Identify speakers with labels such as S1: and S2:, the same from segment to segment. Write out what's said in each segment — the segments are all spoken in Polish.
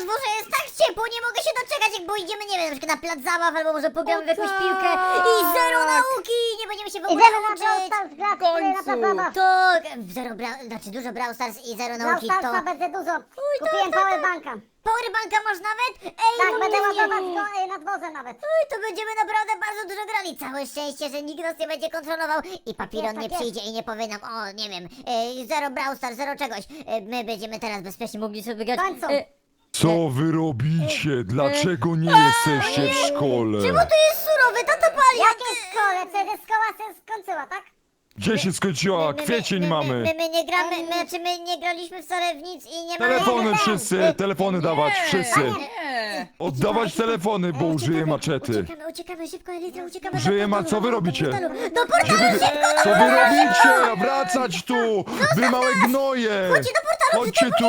S1: dworze jest tak ciepło, nie mogę się doczekać, jak pójdziemy, nie wiem, na przykład na plac zabaw, albo może pogramy w jakąś
S2: tak.
S1: piłkę i zero nauki, nie będziemy się w ogóle
S3: Idziemy na
S1: uczyć.
S3: Brawl Stars grać,
S2: W końcu.
S3: na plac zabaw.
S1: Tak, znaczy dużo Brawl Stars i zero
S3: Brawl
S1: nauki, to...
S3: Starsa będzie dużo. Kupiłem powerbanka.
S1: Powerbanka masz nawet? Ej,
S3: Tak,
S1: no
S3: będę
S1: nie.
S3: ładować go na dworze nawet.
S1: Oj, to będziemy naprawdę bardzo dużo grali. Całe szczęście, że nikt nas nie będzie kontrolował i Papilon
S3: Jest,
S1: nie
S3: tak jest.
S1: przyjdzie i nie powie nam, o, nie wiem, zero Brawl Stars, zero czegoś. My będziemy teraz bezpiecznie mogli sobie grać.
S3: W końcu.
S4: Co wy robicie? Dlaczego nie jesteście w szkole?
S1: Czemu tu jest surowy? Tata pali!
S3: Jakie szkole? Przecież szkoła się skończyła, tak?
S4: Gdzie się skończyła? Kwiecień mamy.
S1: My nie gramy, my nie graliśmy wcale w nic i nie mamy...
S4: Telefony wszyscy, telefony dawać, wszyscy.
S2: Nie.
S4: Oddawać telefony, bo użyję maczety.
S1: Uciekamy szybko, Elitra, uciekamy
S4: Użyję
S1: do portalu,
S4: co wy robicie?
S1: Do portalu, szybko!
S4: Co wy robicie? Wracać tu! Wy małe gnoje!
S1: Chodźcie do portalu,
S4: Chodźcie tu!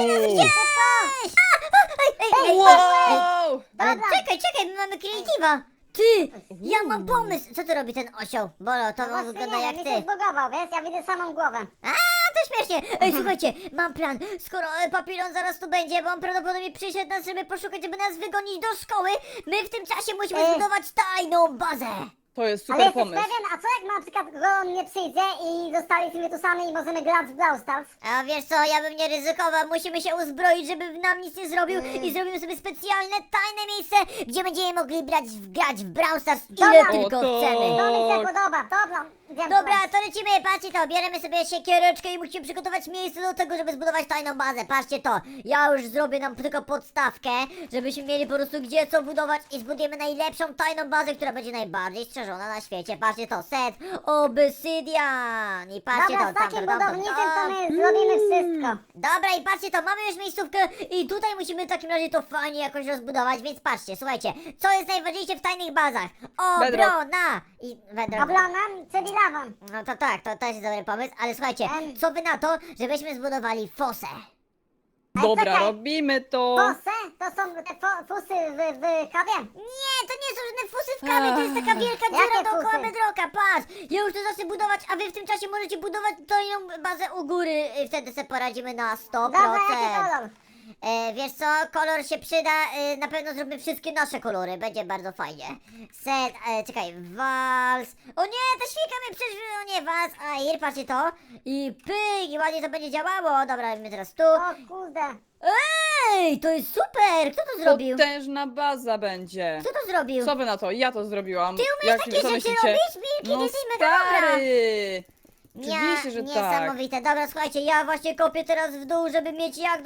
S1: Ej,
S2: Wow!
S1: czekaj, my mamy kreatywa! Ty! Ja mam pomysł! Co tu robi ten osioł? Bolo, to
S3: Właśnie
S1: wygląda
S3: nie
S1: jak
S3: wiem, mi
S1: ty.
S3: się zbugował, wiesz? Ja widzę samą głowę.
S1: A, to śmiesznie! Ej, słuchajcie, mam plan. Skoro Papilon zaraz tu będzie, bo on prawdopodobnie przyszedł nas, żeby poszukać, żeby nas wygonić do szkoły, my w tym czasie musimy zbudować tajną bazę.
S2: To jest
S3: Ale
S2: super
S3: jesteś
S2: pomysł.
S3: pewien, a co jak na przykład on nie przyjdzie i zostaliśmy tu sami i możemy grać w Brawl Stars?
S1: A wiesz co, ja bym nie ryzykował, musimy się uzbroić, żeby nam nic nie zrobił i zrobimy sobie specjalne, tajne miejsce, gdzie będziemy mogli grać w Brawl Stars ile
S3: Dobra.
S1: tylko
S2: O, to-
S1: chcemy.
S3: To mi się
S2: Tak.
S3: podoba, dobra. Wiem,
S1: Dobra,
S3: co.
S1: to lecimy, patrzcie to, bierzemy sobie siekiereczkę i musimy przygotować miejsce do tego, żeby zbudować tajną bazę. Patrzcie to, ja już zrobię nam tylko podstawkę, żebyśmy mieli po prostu gdzie co budować i zbudujemy najlepszą tajną bazę, która będzie najbardziej strzeżona na świecie. Patrzcie to, set obsydian i patrzcie
S3: Dobra,
S1: to,
S3: z takim budowniczym to my zrobimy wszystko.
S1: Dobra i patrzcie to, mamy już miejscówkę i tutaj musimy w takim razie to fajnie jakoś rozbudować, więc patrzcie, słuchajcie, co jest najważniejsze w tajnych bazach? Obrona! I bedrock.
S3: Obrona, czyli lawa.
S1: No to tak, to też jest dobry pomysł, ale słuchajcie, co wy na to, żebyśmy zbudowali fosę?
S2: Dobra,
S3: czekaj.
S2: robimy to.
S3: Fosy? To są te fusy w kawie?
S1: Nie, to nie są żadne fosy w kawie, to jest taka wielka dziura
S3: Jakie
S1: dookoła
S3: fusy?
S1: bedrocka, patrz! Ja już to zacznę budować, a wy w tym czasie możecie budować tajną bazę u góry, wtedy sobie poradzimy na 100%.
S3: Dobra, jaki kolor?
S1: Wiesz co, kolor się przyda, na pewno zróbmy wszystkie nasze kolory, będzie bardzo fajnie. Czekaj, wals. O nie, ta świnka mnie przeżyła, o nie, wals, Air, patrzcie to. I pyk, i ładnie to będzie działało. Dobra, robimy teraz tu.
S3: O kurde.
S1: Ej, to jest super, kto to zrobił?
S2: Potężna baza będzie.
S1: Kto to zrobił?
S2: Co wy na to? Ja to zrobiłam.
S1: Ty umiesz takie
S2: co
S1: rzeczy
S2: myślicie?
S1: robić? Milki,
S2: No
S1: ty jesteś mega dobra.
S2: stary! Oczywiście, że tak.
S1: Niesamowite. Dobra, słuchajcie, ja właśnie kopię teraz w dół, żeby mieć jak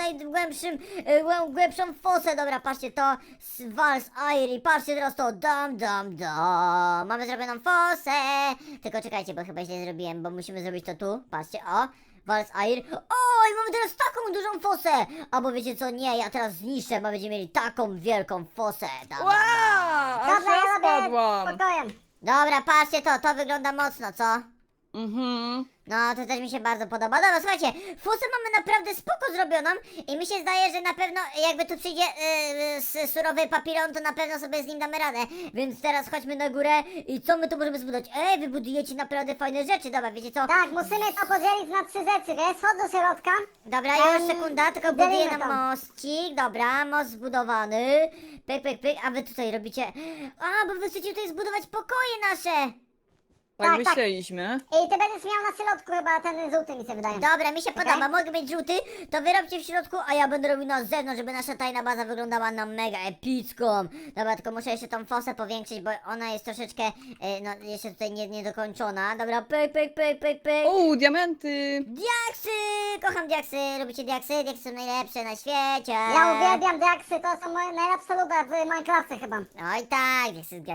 S1: głębszą fosę. Dobra, patrzcie to. Wals, Air i patrzcie teraz to. Dam. Mamy zrobioną fosę. Tylko czekajcie, bo chyba źle zrobiłem, bo musimy zrobić to tu. Patrzcie, o. Wals, Air. O, i mamy teraz taką dużą fosę. Albo wiecie co, nie, ja teraz zniszczę, bo będziemy mieli taką wielką fosę.
S2: Wow! Aż
S3: Dobra,
S2: ja
S3: ja robię
S2: spadłam.
S3: spokojem.
S1: Dobra, patrzcie to wygląda mocno, co?
S2: Mhm.
S1: No, to też mi się bardzo podoba. Dobra, słuchajcie, fusę mamy naprawdę spoko zrobioną i mi się zdaje, że na pewno jakby tu przyjdzie surowy Papilon, to na pewno sobie z nim damy radę. Więc teraz chodźmy na górę i co my tu możemy zbudować? Ej, wy budujecie naprawdę fajne rzeczy, dobra, wiecie co?
S3: Tak, musimy to podzielić na 3 rzeczy, wiesz? Chodź do środka.
S1: Dobra, już
S3: Em,
S1: sekunda, tylko
S3: delimy
S1: buduję nam
S3: to.
S1: moscik, dobra, most zbudowany. Pyk, a wy tutaj robicie... A, bo wy chcecie tutaj zbudować pokoje nasze.
S2: Tak
S3: Tak, tak.
S2: myśleliśmy.
S3: I ty będziesz miał na środku chyba ten żółty, mi się wydaje.
S1: Dobra, mi się
S3: Okej.
S1: podoba, mogę mieć żółty, to wy robcie w środku, a ja będę robił na zewnątrz, żeby nasza tajna baza wyglądała na mega epicką. Dobra, tylko muszę jeszcze tą fosę powiększyć, bo ona jest troszeczkę, no jeszcze tutaj niedokończona. Dobra, pyk.
S2: O, diamenty!
S1: Diaksy! Kocham diaksy, lubicie diaksy? Diaksy są najlepsze na świecie.
S3: Ja uwielbiam diaksy, to są moje najlepsze luby w Minecrafcie chyba.
S1: Oj tak,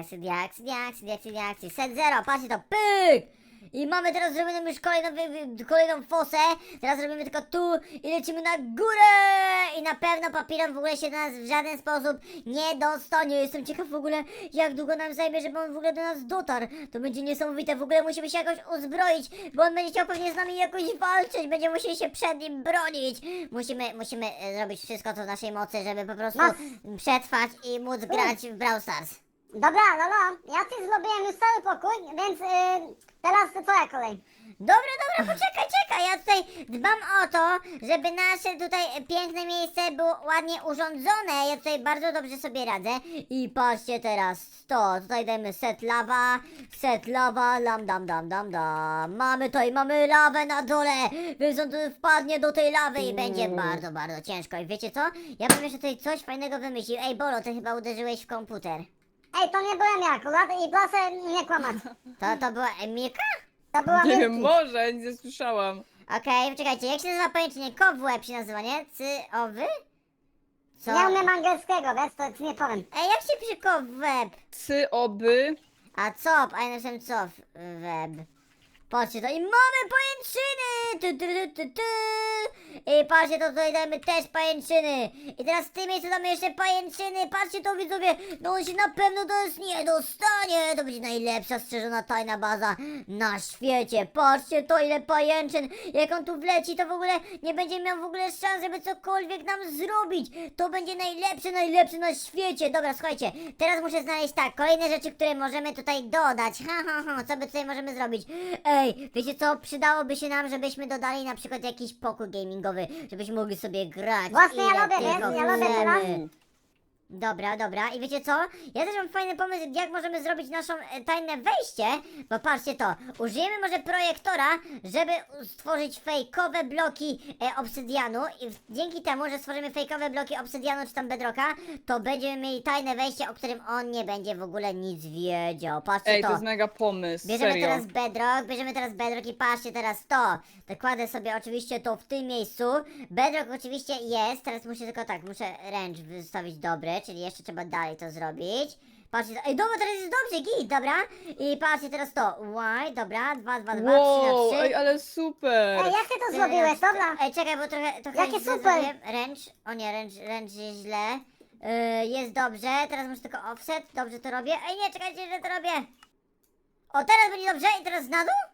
S1: diaksy. Set zero, patrzcie to, pyk! I mamy teraz zrobioną już kolejną fosę. Teraz robimy tylko tu i lecimy na górę! I na pewno Papilon w ogóle się do nas w żaden sposób nie dostanie. Jestem ciekaw w ogóle, jak długo nam zajmie, żeby on w ogóle do nas dotarł. To będzie niesamowite, w ogóle musimy się jakoś uzbroić, bo on będzie chciał pewnie z nami jakoś walczyć. Będziemy musieli się przed nim bronić. Musimy zrobić wszystko, co w naszej mocy, żeby po prostu przetrwać i móc grać w Brawl Stars.
S3: Dobra, Lolo, ja ci zrobiłem już cały pokój, więc teraz twoja kolej.
S1: Dobra, poczekaj, ja tutaj dbam o to, żeby nasze tutaj piękne miejsce było ładnie urządzone. Ja tutaj bardzo dobrze sobie radzę. I patrzcie teraz, tutaj dajmy set lawa, dam. Mamy lawę na dole, więc on tu wpadnie do tej lawy i będzie bardzo, bardzo ciężko. I wiecie co? Ja bym jeszcze tutaj coś fajnego wymyślił. Ej, Bolo, ty chyba uderzyłeś w komputer.
S3: Ej, to nie byłem ja akurat i proszę nie kłamać.
S1: To była Emilka?
S3: To była
S2: Nie wiem,
S3: Milki.
S2: może, nic nie słyszałam.
S1: Okej, czekajcie, jak się nazywa pajęczynie? Kow w łeb się nazywa, nie? Cy-owy? Co?
S3: Nie umiem angielskiego, wiesz, to ci nie powiem.
S1: Ej, jak się pisze kow w łeb?
S2: Oby.
S1: A cop, a ja napisałem cof web. Patrzcie to i mamy pajęczyny! I patrzcie to tutaj dajemy też pajęczyny. I teraz w tym miejscu damy jeszcze pajęczyny. Patrzcie to widzowie, no on się na pewno do nas nie dostanie. To będzie najlepsza strzeżona tajna baza na świecie. Patrzcie to ile pajęczyn. Jak on tu wleci to w ogóle nie będzie miał w ogóle szans, żeby cokolwiek nam zrobić. To będzie najlepsze na świecie. Dobra, słuchajcie, teraz muszę znaleźć tak, kolejne rzeczy, które możemy tutaj dodać. Co by tutaj możemy zrobić? Ej, wiecie co? Przydałoby się nam, żebyśmy dodali na przykład jakiś pokój gamingowy, żebyśmy mogli sobie grać.
S3: Właśnie ja
S1: ile
S3: lubię,
S1: tylko
S3: wiesz, ja lubię
S1: chcemy.
S3: teraz.
S1: Dobra. I wiecie co? Ja też mam fajny pomysł, jak możemy zrobić naszą tajne wejście. Bo patrzcie to, użyjemy może projektora, żeby stworzyć fejkowe bloki obsydianu. I dzięki temu, że stworzymy fejkowe bloki obsydianu czy tam bedrocka, to będziemy mieli tajne wejście, o którym on nie będzie w ogóle nic wiedział. Patrzcie
S2: Ej,
S1: to.
S2: to jest mega pomysł,
S1: Bierzemy
S2: serio.
S1: teraz bedrock i patrzcie teraz to. Dokładę sobie oczywiście to w tym miejscu. Bedrock oczywiście jest, teraz muszę ręcz wystawić dobry, czyli jeszcze trzeba dalej to zrobić. Patrzcie, ej dobra, teraz jest dobrze, git, dobra. I patrzcie teraz to, dobra, 2, 3 na
S2: Wow,
S1: 3.
S2: ej, ale super.
S3: Ej, jak ty to zrobiłeś, dobra?
S1: Ej, czekaj, bo trochę
S3: Jakie
S1: źle
S3: super.
S1: zrobiłem. Ręcz jest źle. Jest dobrze, teraz muszę tylko offset, dobrze to robię. Ej, nie, czekajcie, że to robię. O, teraz będzie dobrze i teraz na dół?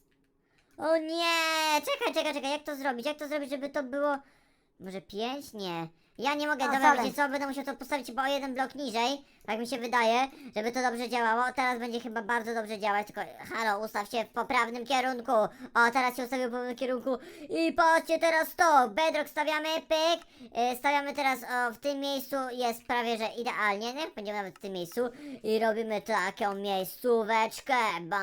S1: O nie, czekaj, jak to zrobić? Jak to zrobić, żeby to było... Może 5? Nie. Ja nie mogę,
S3: O,
S1: dobra,
S3: sorry.
S1: wiecie co, będę musiał to postawić chyba o jeden blok niżej, tak mi się wydaje, żeby to dobrze działało. Teraz będzie chyba bardzo dobrze działać, tylko halo, ustaw się w poprawnym kierunku. O, teraz się ustawił w poprawnym kierunku i patrzcie teraz to, bedrock stawiamy, pyk, stawiamy teraz w tym miejscu, jest prawie, że idealnie, nie? Będziemy nawet w tym miejscu i robimy taką miejscóweczkę,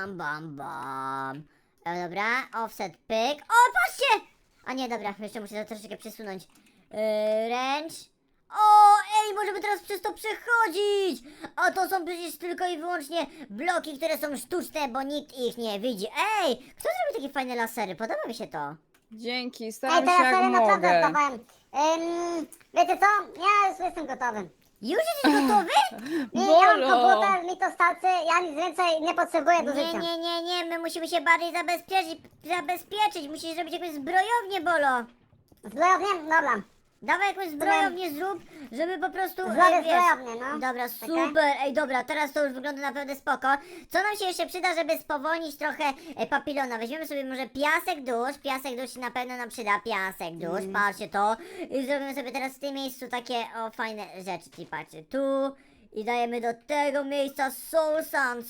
S1: bam. Dobra, offset, pyk, o, patrzcie! A nie, dobra, jeszcze muszę to troszeczkę przesunąć. Ręcz. O, ej, możemy teraz przez to przechodzić! A to są przecież tylko i wyłącznie bloki, które są sztuczne, bo nikt ich nie widzi. Ej, kto zrobił takie fajne lasery? Podoba mi się to.
S2: Dzięki,
S3: Ej,
S2: staram się
S3: teraz
S2: jak
S3: sobie naprawdę
S2: mogę.
S3: wstawałem. Wiecie co? Ja już jestem gotowy.
S1: Już jesteś gotowy?
S3: Nie, ja mam
S2: Bolo.
S3: komputer, mi to starczy, ja nic więcej nie potrzebuję do życia.
S1: Nie, my musimy się bardziej zabezpieczyć. Musisz zrobić jakąś zbrojownię, Bolo.
S3: Zbrojownię? Dobra.
S1: Dawaj jakąś zbrojownię zrób, żeby po prostu...
S3: Zrobię
S1: wiesz.
S3: zbrojownię, no.
S1: Dobra,
S3: Czekaj.
S1: super, ej dobra, teraz to już wygląda naprawdę spoko. Co nam się jeszcze przyda, żeby spowolnić trochę papilona? Weźmiemy sobie może piasek dusz się na pewno nam przyda, piasek dusz, patrzcie to. I zrobimy sobie teraz w tym miejscu takie, fajne rzeczy, czyli patrzcie, tu. I dajemy do tego miejsca soul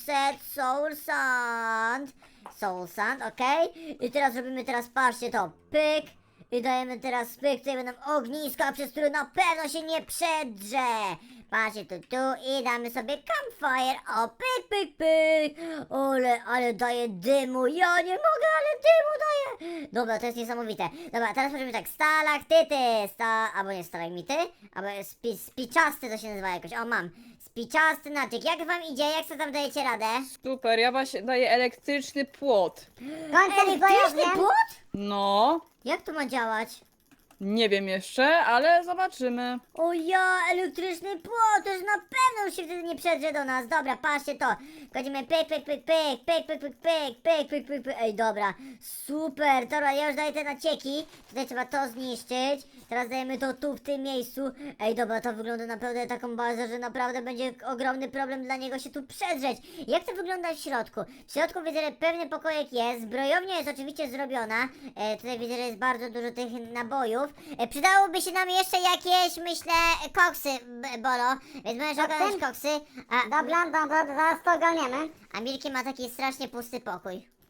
S1: sand, okej? I teraz robimy patrzcie to, pyk. I dajemy teraz pyk, tutaj będą ogniska, przez które na pewno się nie przedrze. Patrzcie tu i damy sobie campfire. O, pyk. Ale daje dymu. Ja nie mogę, ale dymu daje. Dobra, to jest niesamowite. Dobra, teraz możemy tak, stalaktyty, albo nie stalagmity, albo spiczasty to się nazywa jakoś. O, mam. Spiczasty naczyk. Jak wam idzie? Jak sobie tam dajecie radę?
S2: Super, ja właśnie daję elektryczny płot.
S3: Kończę
S1: Elektryczny
S3: zbrojownię.
S1: płot?
S2: No,
S1: Jak to ma działać?
S2: nie wiem jeszcze, ale zobaczymy.
S1: O ja, elektryczny płot, to już na pewno już się wtedy nie przedrze do nas. Dobra, patrzcie to. Kładziemy pyk. Ej, dobra, super. Dobra, ja już daję te nacieki. Tutaj trzeba to zniszczyć. Teraz dajemy to tu, w tym miejscu. Ej, dobra, to wygląda naprawdę taką bazę, że naprawdę będzie ogromny problem dla niego się tu przedrzeć. Jak to wygląda w środku? W środku widzę, że pewny pokojek jest. Zbrojownia jest oczywiście zrobiona. Tutaj widzę, że jest bardzo dużo tych nabojów. Przydałoby się nam jeszcze jakieś, myślę, koksy, Bolo. Więc możesz ogarnąć koksy.
S3: Dobra, zaraz to ogarniemy.
S1: A Milki ma taki strasznie pusty pokój.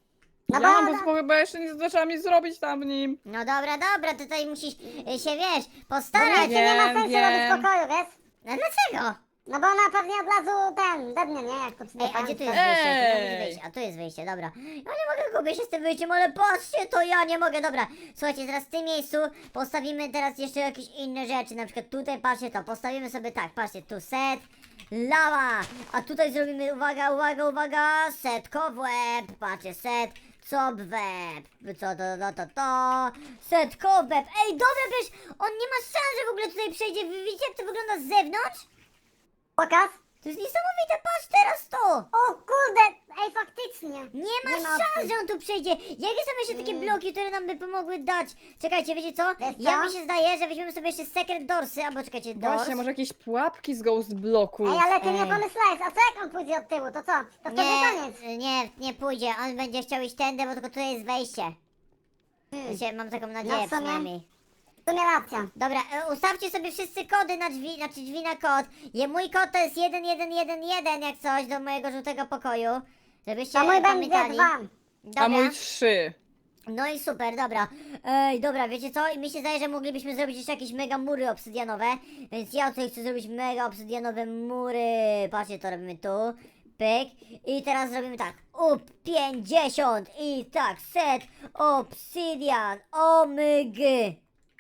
S3: No
S2: Ja,
S3: bo...
S2: bo chyba jeszcze nie zaczęłam nic zrobić tam w nim.
S1: No dobra, dobra, tutaj musisz się, wiesz,
S3: Bo
S1: postarać.
S3: nie ma sensu
S2: wiem.
S3: robić pokoju, wiesz?
S1: No dlaczego?
S3: No bo ona pewnie od razu dednie, nie? Jak pocznie
S1: Ej, a gdzie tu jest
S2: Ej!
S1: wyjście? Tu jest wyjście. A tu jest wyjście, dobra. Ja nie mogę gubię się z tym wyjściem, ale patrzcie, to ja nie mogę, dobra. Słuchajcie, teraz w tym miejscu postawimy teraz jeszcze jakieś inne rzeczy, na przykład tutaj, patrzcie to, postawimy sobie tak, patrzcie, tu set, lawa, a tutaj zrobimy, uwaga, uwaga, uwaga, set cobweb, patrzcie, set, cobweb, co to, set cobweb, ej, dobra, wiesz, on nie ma szans, że w ogóle tutaj przejdzie, wy widzicie jak to wygląda z zewnątrz?
S3: Pokaz?
S1: To jest niesamowite, patrz teraz to!
S3: O kurde, ej faktycznie.
S1: Nie ma
S3: Nie ma
S1: szans,
S3: opcji.
S1: że on tu przejdzie. Jakie są jeszcze takie bloki, które nam by pomogły dać? Czekajcie, wiecie co?
S3: Wiesz
S1: Ja
S3: co?
S1: mi się zdaje, że weźmiemy sobie jeszcze secret doorsy, albo czekajcie, doors.
S2: Właśnie, może jakieś pułapki z ghost bloku.
S3: Ej, ale ty nie
S1: Ej.
S3: pomyślałeś, a co jak on pójdzie od tyłu, to co? To wtedy koniec.
S1: nie pójdzie. On będzie chciał iść tędy, bo tylko tutaj jest wejście. Wiecie, mam taką nadzieję
S3: No w sumie.
S1: przynajmniej.
S3: W sumie racja.
S1: Dobra, ustawcie sobie wszyscy kody na drzwi, znaczy drzwi na kod. Mój kod to jest 1111 jak coś do mojego żółtego pokoju. Żebyście
S3: To mój będzie
S1: pamiętali.
S3: 2.
S1: Dobra.
S2: A mój 3.
S1: No i super, dobra. Ej, dobra, wiecie co? I mi się zdaje, że moglibyśmy zrobić jeszcze jakieś mega mury obsydianowe. Więc ja tutaj chcę zrobić mega obsydianowe mury. Patrzcie, to robimy tu. Pyk. I teraz zrobimy tak. Up 50. I tak, set obsydian. Omygy.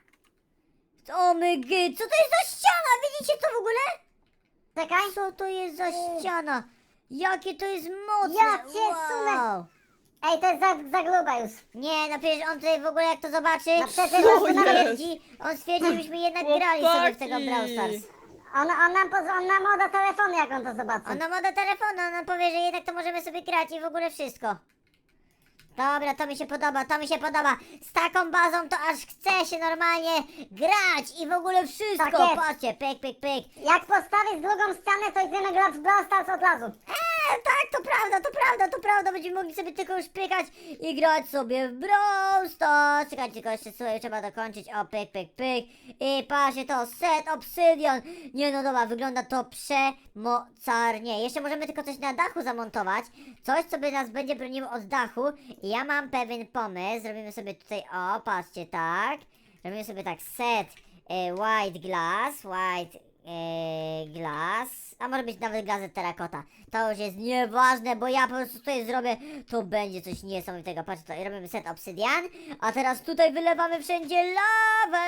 S1: Omygy. Co to jest za ściana? Widzicie to w ogóle?
S3: Czekaj.
S1: Co to jest za ściana? Jakie to jest mocne.
S3: Ja cię sunę. Ej, to jest za gruba już.
S1: Nie, no przecież on tutaj w ogóle jak to zobaczy,
S3: No przecież
S2: Co
S3: on tu nawet...
S2: jest?
S1: on stwierdzi, żebyśmy jednak grali sobie w tego Brawl Stars.
S3: On nam oda telefon, jak on to zobaczy.
S1: Ona ma do telefonu, ona powie, że jednak to możemy sobie grać i w ogóle wszystko. Dobra, to mi się podoba, to mi się podoba. Z taką bazą to aż chce się normalnie grać i w ogóle wszystko.
S3: Tak jest.
S1: Patrzcie, pyk, pyk, pyk.
S3: Jak postawisz drugą ścianę, to idziemy grać w Brawl Stars od razu.
S1: Tak, to prawda, to prawda, to prawda. Będziemy mogli sobie tylko już pykać i grać sobie w Brawl Stars. Czekajcie, tylko jeszcze sobie trzeba dokończyć. O, pyk, pyk, pyk. I patrzcie to, set obsydian. Nie no dobra, wygląda to przemocarnie. Jeszcze możemy tylko coś na dachu zamontować. Coś, co by nas będzie broniło od dachu. I ja mam pewien pomysł. Zrobimy sobie tutaj, o, patrzcie, tak. Robimy sobie tak, set white glass, glass, a może być nawet gazet terrakota. To już jest nieważne, bo ja po prostu tutaj zrobię, to będzie coś niesamowitego. Patrzcie to, i robimy set obsydian, a teraz tutaj wylewamy wszędzie lawę,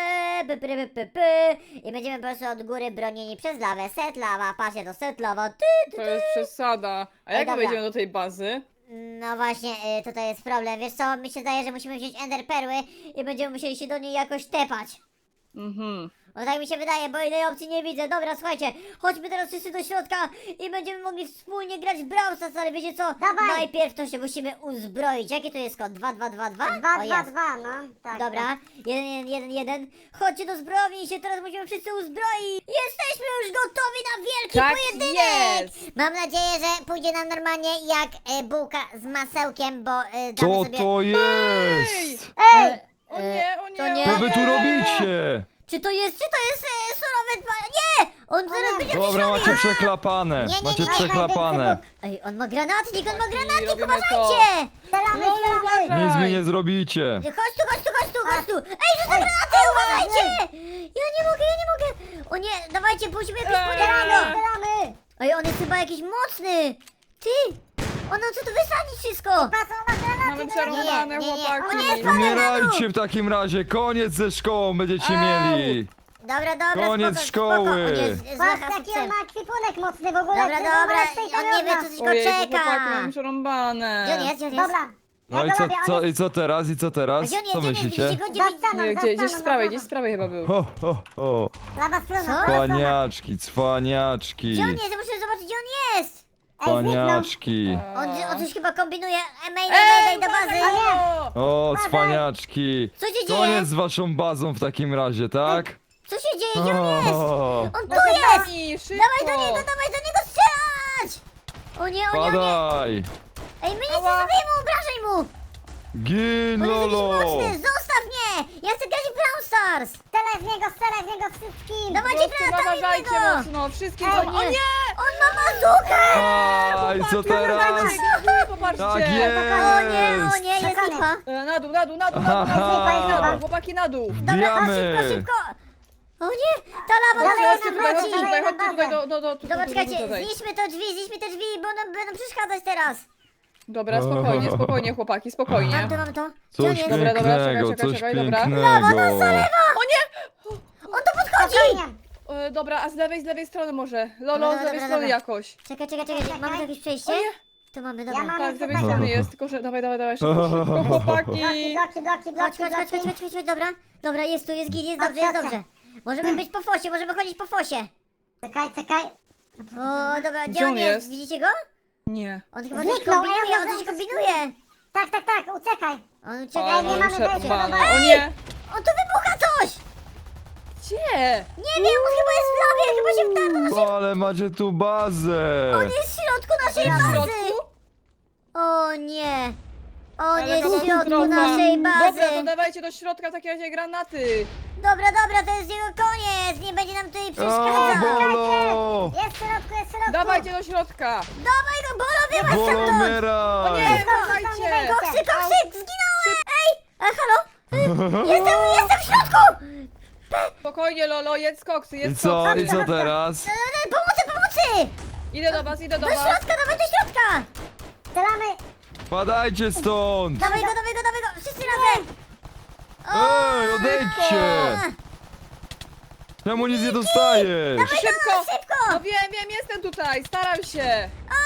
S1: i będziemy po prostu od góry bronieni przez lawę. Set lawa, patrzcie to, set lawa,
S2: To jest przesada. A
S1: Ej,
S2: jak my
S1: dobra.
S2: wejdziemy do tej bazy?
S1: No właśnie, tutaj jest problem. Wiesz co, mi się zdaje, że musimy wziąć ender perły i będziemy musieli się do niej jakoś tepać.
S2: Mhm.
S1: No tak mi się wydaje, bo innej opcji nie widzę. Dobra, słuchajcie, chodźmy teraz wszyscy do środka i będziemy mogli wspólnie grać w Brawl Stars, ale wiecie co?
S3: Dawaj.
S1: Najpierw to się musimy uzbroić. Jaki to jest kod? 2222?
S3: 2,
S1: O,
S3: 2,
S1: jest.
S3: 2, no. Tak.
S1: Dobra, 1-1-1-1. Chodźcie do zbrojowni i się teraz musimy wszyscy uzbroić. Jesteśmy już gotowi na wielki
S2: Tak
S1: pojedynek!
S2: jest.
S1: Mam nadzieję, że pójdzie nam normalnie jak bułka z masełkiem, bo damy
S4: Co
S1: sobie...
S4: to jest?
S3: Ej!
S2: O nie, o nie,
S1: to nie.
S2: o
S4: Co wy tu robicie?
S1: Czy to jest surowe dwa... Nie! On zaraz będzie
S4: Dobra,
S1: wyszony.
S4: macie przeklapane.
S1: Nie, nie,
S4: Macie
S1: nie, nie,
S4: przeklapane.
S1: Ej, on ma granatnik,
S2: robimy to.
S1: uważajcie!
S3: Strzelamy,
S2: No,
S3: strzelamy!
S2: uważaj.
S4: Nic mi nie zrobicie.
S1: Chodź tu, chodź tu, chodź tu, chodź tu! Ej, rzucę granaty, uważajcie! Ja nie mogę, ja nie mogę! O nie, dawajcie, musimy jakoś
S2: Eee.
S1: podjechać!
S3: Strzelamy!
S1: Ej, on jest chyba jakiś mocny! Ty! On chce tu wysadzić wszystko!
S3: Patrz, on ma granaty!
S2: Mamy przerąbane,
S1: Nie, nie, nie.
S2: chłopaki.
S1: O nie,
S4: Umierajcie w takim razie. Koniec ze szkołą będziecie
S2: Au.
S4: mieli.
S1: Dobra, dobra,
S4: Koniec
S1: spoko,
S4: szkoły.
S1: spoko. On jest z
S3: Patrz,
S1: lacha
S3: jaki on ma ekwipunek mocny w ogóle!
S1: Dobra,
S3: przecież on ma
S1: dobra,
S3: lepszej
S1: on nie wie, co
S3: od nas.
S1: tylko
S2: Ojej,
S1: czeka!
S2: chłopaki, mamy przerąbane.
S1: Gdzie on jest, gdzie on jest?
S3: Dobra.
S4: No
S3: Ja
S4: i
S3: go
S4: co,
S3: robię, on
S4: co,
S3: jest
S4: i co teraz? I co teraz?
S1: Gdzie on jest,
S4: Co
S1: gdzie on jest?
S4: myślicie?
S1: Widzicie go, gdzie
S3: za
S1: widzicie?
S3: ścianą,
S2: Nie,
S3: za
S2: gdzieś
S3: ścianą,
S2: z
S3: za
S2: prawej,
S3: ścianą.
S2: gdzieś z prawej chyba był.
S4: Ho, ho, ho.
S3: Lawa strona,
S1: Co?
S3: lawa strona.
S4: Cwaniaczki, cwaniaczki.
S1: Gdzie on jest? Ja muszę zobaczyć, gdzie on jest!
S3: Ej, zniknął.
S4: Cwaniaczki.
S1: On coś chyba kombinuje. Mayday do bazy!
S4: O, cwaniaczki.
S1: Co się dzieje?
S4: Koniec z waszą bazą w takim razie, tak?
S1: Co się dzieje? Gdzie on jest?
S4: O,
S1: On tu
S3: Proszę
S1: jest!
S2: Pani, szybko.
S1: Dawaj do niego strzelać! O nie, o nie, o nie!
S4: Padaj.
S1: Ej, my nic nie zrobimy, obrażaj mu!
S4: Gin,
S1: On jest jakiś
S4: lolo.
S1: mocny, zostaw mnie! Ja chcę grać w Brawl Stars!
S3: Strzelaj w niego wszystkim!
S1: Dawajcie
S2: Wszyscy
S1: granatami w
S2: uważajcie
S1: niego!
S2: mocno, wszystkim
S3: Ej,
S2: co... O nie!
S1: On ma bazookę!
S4: Aj, co teraz?
S2: Popatrzcie.
S4: Tak jest!
S1: O nie, jest
S3: Czekamy.
S1: lipa.
S2: Na dół, na dół, na dół,
S4: Aha.
S2: na dół, chłopaki na dół.
S1: Dobra,
S4: Wbijamy!
S1: szybko, szybko! O nie, ta lawa
S3: Dobra,
S1: nas
S2: Chodźcie tutaj, chodźcie
S1: nawróci!
S2: tutaj, chodźcie tutaj,
S1: Dobra, czekajcie,
S2: tutaj.
S1: zniszczmy te drzwi, bo nam będą przeszkadzać teraz.
S2: Dobra, spokojnie, spokojnie, chłopaki, spokojnie.
S1: Mam to. Gdzie on
S4: Coś
S1: jest?
S2: Dobra, dobra,
S4: pięknego,
S2: czekaj,
S4: coś
S2: czekaj, dobra.
S4: pięknego.
S2: O nie!
S1: On tu podchodzi!
S3: Spokojnie.
S2: Dobra, a z lewej strony może. Lolo,
S1: Dobra,
S2: z lewej
S1: dobra,
S2: strony
S1: dobra.
S2: jakoś.
S1: Czekaj, mamy tu jakieś przejście?
S2: O nie!
S1: Tu mamy,
S3: Ja
S1: dobra.
S3: mam-
S2: Tak, z lewej
S3: Dobra.
S2: strony jest, tylko że... Dawaj, szybko, szybko, chłopaki!
S3: Bloki,
S1: Chodź, dobra. Dobra, jest tu, jest git, jest dobrze, jest dobrze. Możemy być po fosie, możemy chodzić po fosie.
S3: Czekaj.
S1: O, dobra,
S2: Gdzie
S1: gdzie on
S2: on
S1: jest?
S2: jest?
S1: Widzicie go?
S2: Nie.
S1: On chyba coś
S3: Zniknął,
S1: kombinuje,
S3: ja
S1: on coś
S3: mam-
S1: kombinuje.
S3: Tak, uciekaj.
S1: On
S2: O,
S1: ucieka,
S3: nie mamy wejścia,
S2: przerwane.
S3: dobra.
S2: O nie!
S1: on tu wybucha coś!
S2: Gdzie?
S1: Nie wiem, on chyba jest w lawie, chyba się wtarł do naszej...
S4: Ale macie tu bazę!
S1: On jest w środku naszej
S2: W
S1: bazy!
S2: środku?
S1: O nie! On
S2: Ale
S1: jest w środku
S2: katastrofa.
S1: naszej bazy!
S2: Dobra, to dawajcie do środka w takim razie granaty.
S1: Dobra, to jest jego koniec! Nie będzie nam tutaj
S4: O,
S1: przeszkadzał!
S4: Bolo!
S3: Jest w środku.
S2: Dawajcie do środka.
S1: Dawaj go, Bolo, wyłaź
S4: Bolo,
S1: stamtąd!
S2: O nie,
S4: umieraj!
S2: słuchajcie.
S1: Koksy, zginąłem! Ej! Halo? Jestem w środku!
S2: Spokojnie, Lolo, jedz koksy,
S4: I
S2: jedz
S4: co?
S2: koksy.
S4: I co teraz?
S1: Pomocy!
S2: Idę do was, idę do
S1: Do
S2: was.
S1: środka, dawaj do środka!
S3: Strzelamy.
S4: Padajcie stąd!
S1: Dawaj go! Wszyscy razem!
S4: Ej, odejdźcie! Czemu nic nie dostajesz?
S2: Szybko!
S1: Szybko!
S2: No wiem, jestem tutaj, staram się.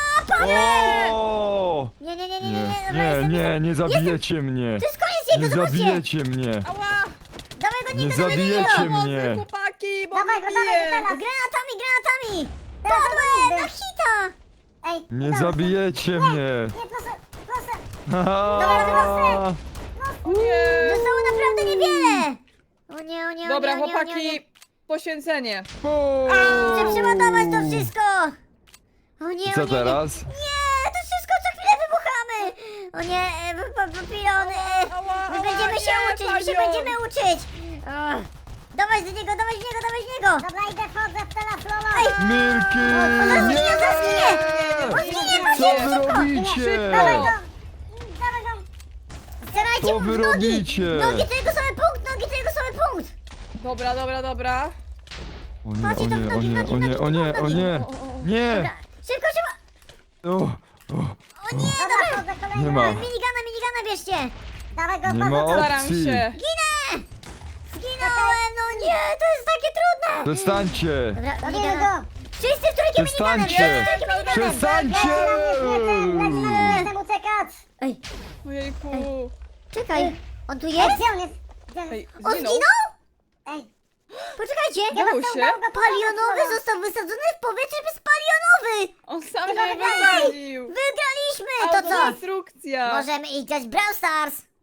S4: O!
S1: Nie, dobra,
S4: Nie zabijecie mnie!
S1: To jest koniec
S4: Nie
S1: jego, zobaczcie!
S4: zabijecie mnie!
S2: Ała!
S1: Dawaj go,
S4: Nie
S1: nie dawaj
S4: zabijecie
S1: go!
S2: Pomocy,
S4: mnie.
S2: chłopaki, bo
S3: Dawaj go,
S2: mnie bije.
S3: teraz.
S1: Granatami!
S3: Teraz
S1: Podłe,
S3: będę.
S1: na hita!
S3: Ej,
S4: Nie
S3: dobra.
S4: zabijecie mnie!
S3: Nie, proszę.
S4: Haha.
S2: O nie.
S1: Zostało naprawdę niewiele! O nie,
S2: Dobra,
S1: o nie,
S2: chłopaki, poświęcenie.
S4: Bum.
S1: Chcę przeładować to wszystko! O nie,
S4: I
S1: o
S4: co
S1: nie,
S4: teraz?
S1: Nie, to wszystko co chwilę wybuchamy! O nie, papilon,
S2: Ała,
S1: my
S2: ała,
S1: będziemy się
S2: nie,
S1: uczyć, my się
S2: panią.
S1: będziemy uczyć! Ach. Dawaj z niego!
S3: Dobra, idę, wchodzę w teraz, Lolo.
S1: Ej!
S4: Milki!
S1: On
S4: Nie!
S1: zginie! On zginie,
S4: Co wy robicie?
S3: Dawaj go.
S1: Starajcie
S4: Co
S1: mu
S4: wy
S1: w nogi!
S4: robicie?
S1: Nogi to jego słaby punkt!
S2: Dobra.
S4: O nie! Nie!
S1: Dobra, szybko!
S4: O,
S1: O nie,
S3: Dobra,
S1: dobra!
S3: wchodzę kolejny.
S4: Nie ma.
S1: Minigana bierzcie!
S3: Dawaj go,
S4: Nie ma
S3: wchodzę.
S2: Staram
S4: opcji!
S2: się.
S1: Zginąłem, no nie, to jest takie trudne!
S4: Przestańcie!
S1: Dobra,
S3: Robimy
S1: minigana.
S3: go.
S1: Wszyscy w trójkę miniganem!
S4: Przestańcie!
S1: Wszyscy w trójkę miniganem!
S4: Przestańcie!
S3: Jestem uciekać.
S1: Ej,
S2: Ojejku.
S1: czekaj, on tu
S3: Ej,
S1: jest?
S3: gdzie on jest? Gdzie on
S2: Ej,
S3: jest?
S1: On
S2: zginął?
S1: zginął?
S3: Ej,
S1: Poczekajcie!
S2: Udało się?
S1: Palionowy został wysadzony w powietrze bez palionowy!
S2: On sam się wysadził.
S1: Wygraliśmy! To co?
S2: Autodestrukcja.
S1: Możemy iść grać w Brawl Stars!